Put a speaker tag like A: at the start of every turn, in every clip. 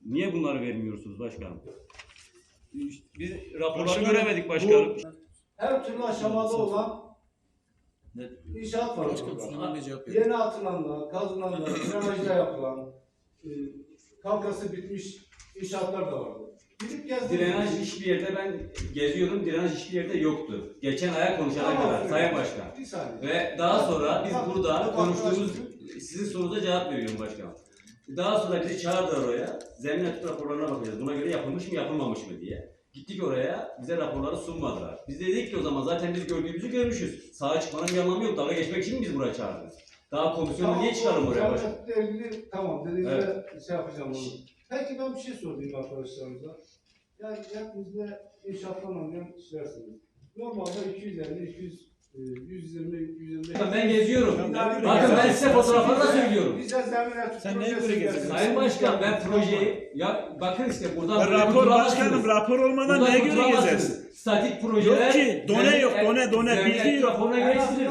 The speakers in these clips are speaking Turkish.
A: Niye bunları vermiyorsunuz başkanım? Biz raporları
B: Başkanım,
A: göremedik başkanım.
C: Her türlü aşamada olan inşaat var. Yeni atılanlar, kazılanlar, drenajda yapılan, kalkası bitmiş inşaatlar da vardı. Gidip gezdim.
A: Drenaj hiçbir yerde ben geziyorum, drenaj hiçbir yerde yoktu. Geçen aya konuşana kadar Sayın Başkan.
C: Bir saniye.
A: Ve daha sonra biz burada konuştuğumuz, sizin sorunuza cevap veriyorum başkanım. Daha sonra bizi çağırdılar oraya, zemin etüt raporlarına bakacağız. Buna göre yapılmış mı yapılmamış mı diye. Gittik oraya, bize raporları sunmadılar. Biz de dedik ki o zaman zaten biz gördüğümüzü görmüşüz. Sağa çıkmanın bir anlamı yok, dalga geçmek için mi biz buraya çağırdınız? Daha komisyonu niye çıkaralım oraya başkanım?
C: Tamam, dediğinizde şey yapacağım onu. Peki ben bir şey sorayım arkadaşlarımıza. Yani hepinizde inşaattan anlayan kişilersiniz. Normalde 250, 200, 120, 125...
A: Ben geziyorum. Bakın ben size fotoğrafları da söylüyorum.
C: Bize zemin etüt
B: Sen neye göre geziyorsun?
A: Sayın Başkan ben projeyi, ya bakın işte buradan...
B: Rapor başkanım, rapor olmadan neye göre gezersin?
A: Statik projeler...
B: Yok ki, done yok, done, bilgi yok.
A: Raporuna göre istilir.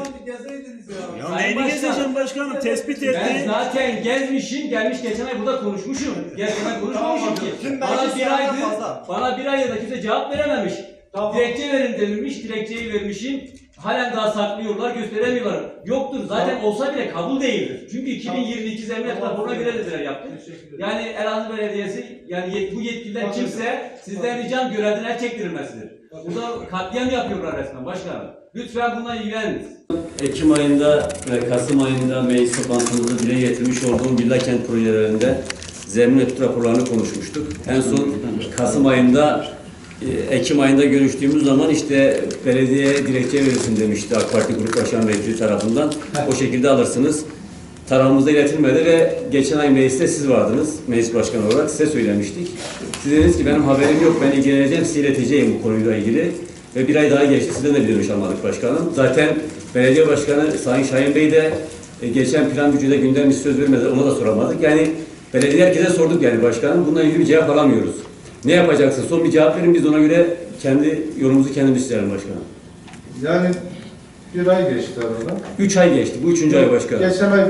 B: Ya
A: Sayın
B: neyini
A: Başkan,
B: gezeceğim başkanım? Tespit
A: Ben
B: etti.
A: zaten gezmişim, gelmiş geçen ay burada konuşmuşum. Gezmeden konuşmamışım ki.
D: Tüm
A: Bana
D: meclis
A: bir aydır,
D: fazla.
A: bana bir ayda kimse cevap verememiş.
C: Tamam.
A: Dilekçe verin denilmiş, dilekçeyi vermişim. Halen daha saklıyorlar, gösteremiyorlar. Yoktur, zaten olsa bile kabul değildir. Çünkü 2022 zemin etüt raporuna göre dediler yaptık. Yani Elazığ Belediyesi, yani bu yetkililer kimse sizden ricam görevden el çektirilmesidir. Burada katliam yapıyorlar resmen başkanım. Lütfen bununla ilgileniniz. Ekim ayında ve Kasım ayında meclis toplantımızda dile getirmiş olduğum villa kent projelerinde zemin etüt raporlarını konuşmuştuk. En son Kasım ayında, Ekim ayında görüştüğümüz zaman işte belediyeye dilekçe verirsin demişti AK Parti Grup Başkan Vekili tarafından. O şekilde alırsınız. Tarafımıza iletilmedi ve geçen ay mecliste siz vardınız. Meclis başkanı olarak size söylemiştik. Siz dediniz ki benim haberim yok, ben ilgileneceğim, size ileteceğim bu konuyla ilgili. Ve bir ay daha geçti, sizden de bir dönüş almadık başkanım. Zaten belediye başkanı Sayın Şahin Bey de geçen plan gücüde gündem söz vermedi, ona da soramadık. Yani belediye herkese sorduk yani başkanım, bununla ilgili bir cevap alamıyoruz. Ne yapacaksın? Son bir cevap verin, biz de ona göre kendi yolumuzu kendimiz çizelim başkanım.
C: Yani bir ay geçti arada.
A: 3 ay geçti, bu 3. ay başkanım.
C: Geçen ay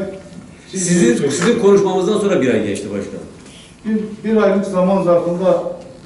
A: Sizin konuşmamızdan sonra bir ay geçti başkanım.
C: bir aylık zaman zarfında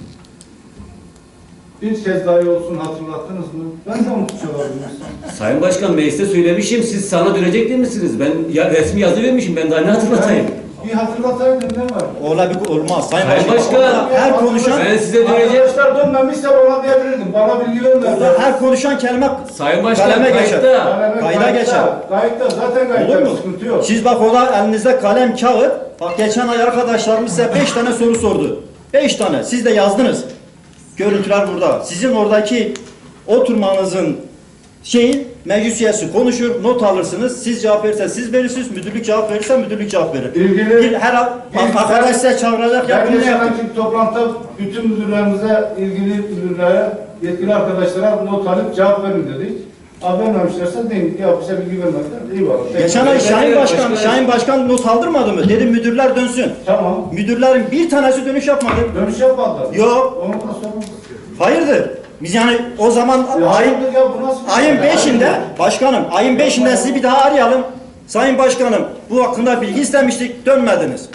C: bir kez dahi olsun hatırlattınız mı? Ben de unutmuş olabilirim.
A: Sayın Başkan mecliste söylemişim, siz sana dönecek değil misiniz? Ben resmi yazı vermişim, ben daha ne hatırlatayım?
C: Bir hatırlataydım ne var?
D: Olmaz. Sayın
A: Sayın
D: Başkan,
A: Başkan,
D: her konuşan
A: ben size döneceğim.
C: Arkadaşlar dönmemişse ona diyebilirdim. Bana bilgi vermediler.
D: her konuşan kelime
A: Sayın Başkan
D: kaleme geçer.
A: kayıtta.
D: Kayda geçer.
C: Kayıtta zaten
D: Olur
C: kayıtta
D: mu?
C: sıkıntı yok.
D: Siz bak orada elinizde kalem, kağıt. Bak geçen ay arkadaşlarımız size 5 tane soru sordu. 5 tane. Siz de yazdınız. Görüntüler burada. Sizin oradaki oturmanızın meclis üyesi konuşur, not alırsınız. Siz cevap verirseniz siz verirsiniz. Müdürlük cevap verirse müdürlük cevap verir. Arkadaş size çağıracak ya
C: Ben
D: bunu
C: geçen
D: yapın.
C: ayki toplantıda bütün müdürlerimize, ilgili müdürlere, yetkili arkadaşlara not alıp cevap verin dedik. Abi vermemişlerse deyin ki ya bize bilgi vermediler. İyi var.
D: Geçen ay Şahin Başkan not aldırmadı mı? Dedi müdürler dönsün.
C: Tamam.
D: Müdürlerin bir tanesi dönüş yapmadı.
C: Dönüş yapmadılar.
D: Yok.
C: Onu da sorumludur.
D: Hayırdır? Biz yani o zaman
C: Hayırdır ya bu nasıl bir şey?
D: ayın 5'inde başkanım ayın 5'inde sizi bir daha arayalım. Sayın Başkanım bu hakkında bilgi istemiştik dönmediniz.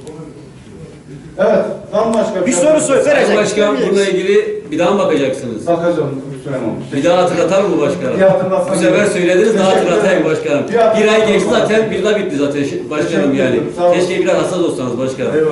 C: Evet. Bambaşka
D: Bir soru
A: Sayın
D: verecek.
A: Başkan bununla ilgili bir daha mı bakacaksınız?
C: Bakacağım. Lütfen olmuş.
A: Bir daha hatırlatalım mı başkanım?
C: Bir hatırlatsam
A: Bu sefer
C: iyi.
A: söylediniz, daha
C: Teşekkür
A: hatırlatayım
C: ederim.
A: başkanım.
C: Bir hatırlatsam
A: Bir ay geçti
C: olmaz.
A: zaten, villa bitti zaten başkanım
C: Teşekkür
A: yani.
C: ederim, sağ olun.
A: Keşke biraz hassas olsanız başkanım.
C: Eyvallah.